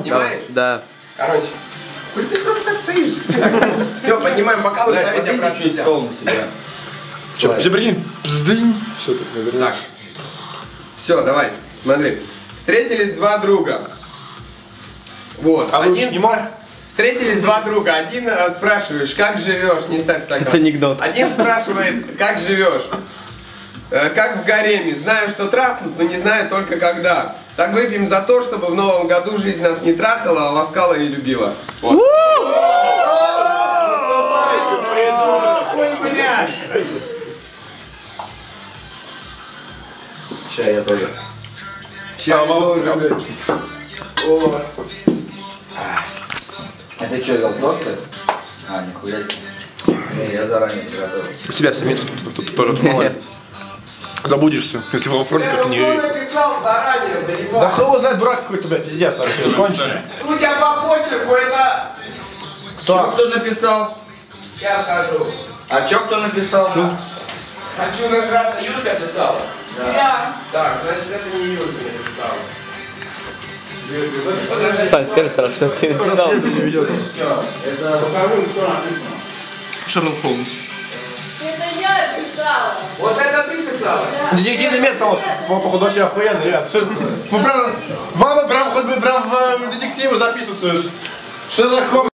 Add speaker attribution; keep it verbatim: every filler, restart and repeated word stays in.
Speaker 1: Снимаешь?
Speaker 2: Да.
Speaker 1: Короче. Ты просто так стоишь. Все, поднимаем бокалы, ставить обратно.
Speaker 3: Чуть стол на себя.
Speaker 4: Че, прикинь, пздынь. Все, так наверное.
Speaker 1: Так. Все, давай, смотри. Встретились два друга. Вот.
Speaker 4: А
Speaker 1: один...
Speaker 4: лучше снимай.
Speaker 1: Встретились два друга. Один э, спрашиваешь, как живешь, не ставь стакан.
Speaker 2: Это анекдот.
Speaker 1: Один спрашивает, как живешь. Э, как в гареме. Знаю, что трахнут, но не знаю только когда. Так выпьем за то, чтобы в новом году жизнь нас не трахала, а ласкала и любила. Вот.
Speaker 3: Чай я тоже.
Speaker 1: Чай тоже, блядь. О.
Speaker 3: Это что, вел просто? А, нихуя себе. Не, я заранее приготовил.
Speaker 4: Себя сами тут, тут, тут тоже тумали. Забудешься, если в фронтах не...
Speaker 1: написал заранее,
Speaker 4: Да хуй знает, дурак какой-то, блядь, пиздец вообще, конченый.
Speaker 1: Судя по почерку, это...
Speaker 3: Кто? Кто написал?
Speaker 1: Я скажу.
Speaker 3: А чё кто написал?
Speaker 1: Хочу награться, Юлька писала?
Speaker 5: Да.
Speaker 1: Так, значит это не Юлька написала.
Speaker 2: Сань, скажи сразу, что ты написал.
Speaker 4: Шерлок Холмс.
Speaker 5: Это я писала.
Speaker 1: Вот это ты писала?
Speaker 4: Детективное место у вас, походу, вообще охуенно, ребят. Вы прям, вам прям хоть бы прям в детективы записываться. Шерлок Холмс.